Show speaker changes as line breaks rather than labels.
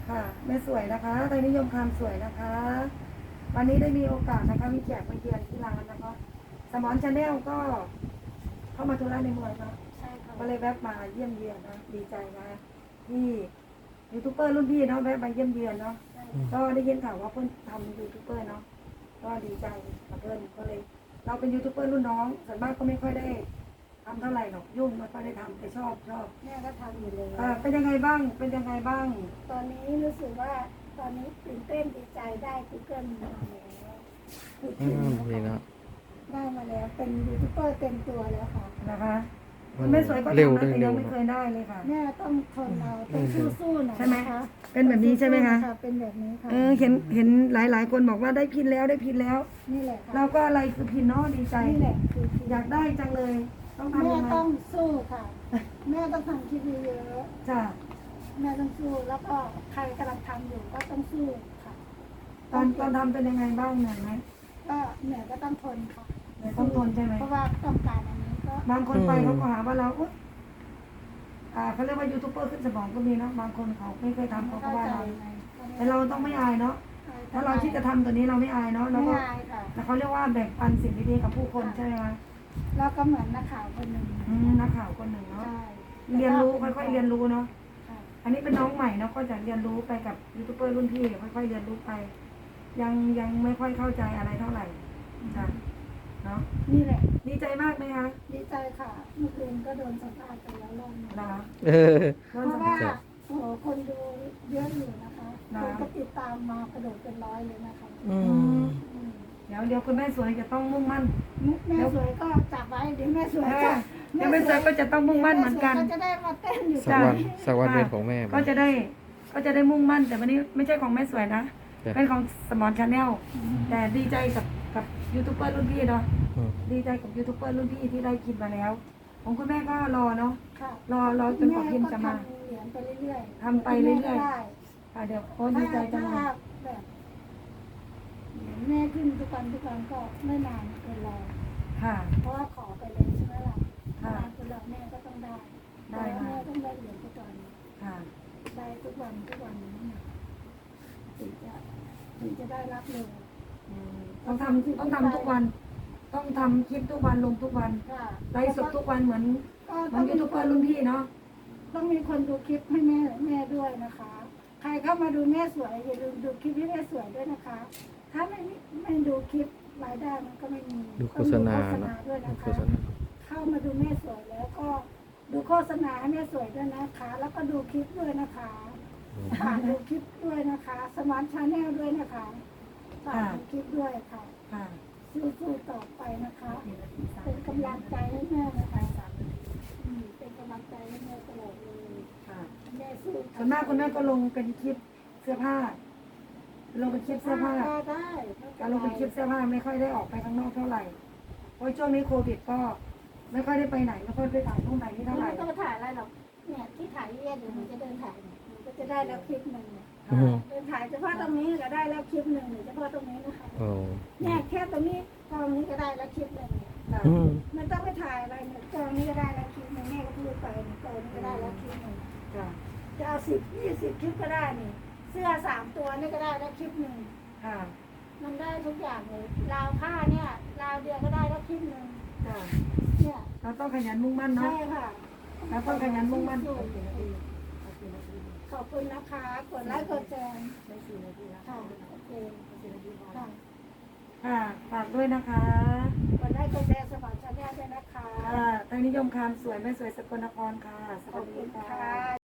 ค่ะแม่สวยนะคะไทยนิยมความสวยนะคะ วันนี้ได้มีโอกาสนะคะมีแขกมาเยือนที่ร้านนะคะสมอนชาแนลก็เข้ามาธุระในเมืองนะ
ใช่ค่ะ
ก็เลยแวะมาเยี่ยมเยียนนะดีใจนะที่ยูทูบเบอร์รุ่นพี่เนาะแวะมาเยี่ยมเยียนเนาะก็ได้ยินข่าวว่าเพื่อนทำยูทูบเบอร์เนาะก็ดีใจกับเพื่อนก็เลย เราเป็นยูทูบเบอร์รุ่นน้องส่วนมากก็ไม่ค่อยได้ทำเท่าไหร่หรอกยุ่งไม่ค่อยได้ทำแต่ชอบ
แม่ก็ทำอยู่เลย
เป็นยังไงบ้างเป็นยังไงบ้าง
ตอนนี้รู้สึกว่าตอนนี้ตื่นเต้นดีใจได้ Google มาแล้ว
ดีเนาะ
ได้มาแล้วเป็นยูทูบเบอร์เต็มตัวแล้วค่ะ
นะคะคุณแม่สวยก็ทำนะแต่ยังไม่เคยได้เลยค่ะ
แม่ต้องทนเราต้องสู้ๆหน่อย
ใช่ไหม
นะคะ
เป็นแบบนี้ใช่ไหมคะ
เป็นแบบนี้ค่ะ
เห็นหลายคนบอกว่าได้พินแล้วได้พินแล้ว
นี่แหละค่ะ
เราก็อะไรคือพินเนาะดีใจ
นี่แหละคือ
อยากได้จังเลยต้องทำ
แม่
ยังไง
ต้องสู้ค่ะแม่ต้องทำคลิปเยอะ
จ้ะ
แม่ต้องสู้แล้วก็ใครกำลังทำอยู่ก็ต้องสู้ค่ะ
ตอนทำเป็นยังไงบ้างเหนื่อยไหม
ก็เหนื่อยก็ต้องทนค่ะ
ต้องทนใช่ไหม
เพราะว่าต้องการอันนี้ก็
บางคนไปเขาก็หาว่าเราเขาเรียกว่ายูทูบเบอร์ขึ้นสมองก็มีเนาะบางคนเขาไม่เคยทำเขาก็ว่าเราแต่เราต้องไม่อายเนาะถ้าเราที่จะทำตัวนี้เราไม่อายเนาะเราก็แต่เขาเรียกว่าแบ่งปันสิ่งดีๆกับผู้คนใช่ไหมคะ
เราก็เหมือนนักข่าวคนหนึ่ง
นักข่าวคนหนึ่งเนาะเรียนรู้ค่อยๆเรียนรู้เนาะอันนี้เป็นน้องใหม่เนาะก็จะเรียนรู้ไปกับยูทูบเบอร์รุ่นพี่ค่อยๆเรียนรู้ไปยังไม่ค่อยเข้าใจอะไรเท่าไหร่จ้ะเนาะ
นี่แหละ
ดีใจมากไหมคะ
ดีใจค่ะเมื่อคืนก็โดนสัมภาษณ์ไปแล้วรอบนึง
นะคะ
เพราะว่าโอ้โหคนดูเยอะอยู่นะคะคนก็ติดตามมากระโดดเป็น100เลยนะคะ
เดี๋ยวคุณแม่สวยจะต้องมุ่งมั่น
แม่สวยก็จับไว้เดี๋ยวแม่สวยก็
แม่สวยก็จะต้องมุ่งมั่นเหมือนกัน
ก็จะได้มาเต้นอยู่
สักวันเป็นของแม่
ก็จะได้มุ่งมั่นแต่วันนี้ไม่ใช่ของแม่สวยนะเป็นของสมอนชาแนลแต่ดีใจกับยูทูบเบอร์รุ่นพี่เนาะดีใจกับยูทูบเบอร์รุ่นพี่ที่ได้กินมาแล้วของคุณแม่ก็รอเนาะรอจนกว่าพิมจะมาทำไปเรื่อยๆค่ะเดี๋ยวโอ้ดีใจจังเลย
แม่ขึ้นทุกวันก็ไม่นานเกินรอ
ค่ะ
เพราะว่าขอไปเลยใช่ไหมล่ะ
ค่ะ
คุณแม่ก็ต้องได้แม่ต้องได้เหรียญทุกวัน
ค่ะ
ได้ทุกวันนี่ถึงจะได้รับเลย
ต้องทำทุกวันต้องทำคลิปทุกวันลงทุกวันไลฟ์สดทุกวันเหมือนยูทูบเบอร์รุ่นพี่เนาะ
ต้องมีคนดูคลิปให้แม่ด้วยนะคะใครเข้ามาดูแม่สวยอย่าลืมดูคลิปให้แม่สวยด้วยนะคะถ้าไม่ดูคลิปรายได้มันก็ไม่มี
ดูโฆษณา
ด้วยนะคะเข้ามาดูแม่สวยแล้วก็ดูโฆษณาให้แม่สวยด้วยนะคะ แล้วก็ดูคลิปด้วยนะคะดูคลิปด้วยนะคะสมาร์ทชาแนลด้วยนะคะดูคลิปด้วยค่ะสู้ๆต่อไปนะคะเป็นกำลังใจให้แม่นะคะเป็นกำลังใจให้แม่ตลอดเลยแม่สู้
ส่วนมากคุณแม่ก็ลงเป็นคลิปเสื้อผ้าลงเป็นคลิปเสื้อผ้า
ได้
การลงเป็นคลิปเสื้อผ้าไม่ค่อยได้ออกไปข้างนอกเท่าไหร่เพราะช่วงนี้โควิดก็ไม่ค่อยได้ไปไหนไม่ค่อยไปถ่ายตรงไหนนี่เท่าไหร่
ไม่ต้องถ่ายอะไรหรอกเนี่ยที่ถ่ายเดี๋ยวหนูจะเดินถ่ายหนูก็จะได้แล้วคลิปหนึ่งเดินถ่ายเฉพาะตรงนี้ก็ได้แล้วคลิปหนึ่งเฉพาะตรงนี้นะคะเนี่ยแค่ตรงนี้กองนี้ก็ได้แล้วคลิปหนึ่งมันต้องไปถ่ายอะไรเนี่ยกองนี้ก็ได้แล้วคลิปหนึ่งแม่ก็พูดไปกองนี้ก็ได้แล้วคลิปหนึ่งจะเอา10-20คลิปก็ได้นี่เสื้อ3 ตัวนี่ก็ได้แล้วคลิปหนึ่งมันได้ทุกอย่างเลยราวผ้าเนี่ยราวเดียวก็ได้แล้วคลิปหนึ่งเนี่ย
เราต้องขยันมุ่งมั่นเนาะ
ใช่ค่ะ
เราต้องขยันมุ่งมั่น
ขอบคุณนะคะกดไลค์กดแชร์
ได้4 นาทีแล้ว
ค่ะโอเค
ค่ะฝากด้วยนะคะ
กดไลค์กดแชร์สมัครชาแนลด้วยนะคะ
ไทยนิยมคำสวยไม่สวยสกลนครค่ะสวัสดีค่ะ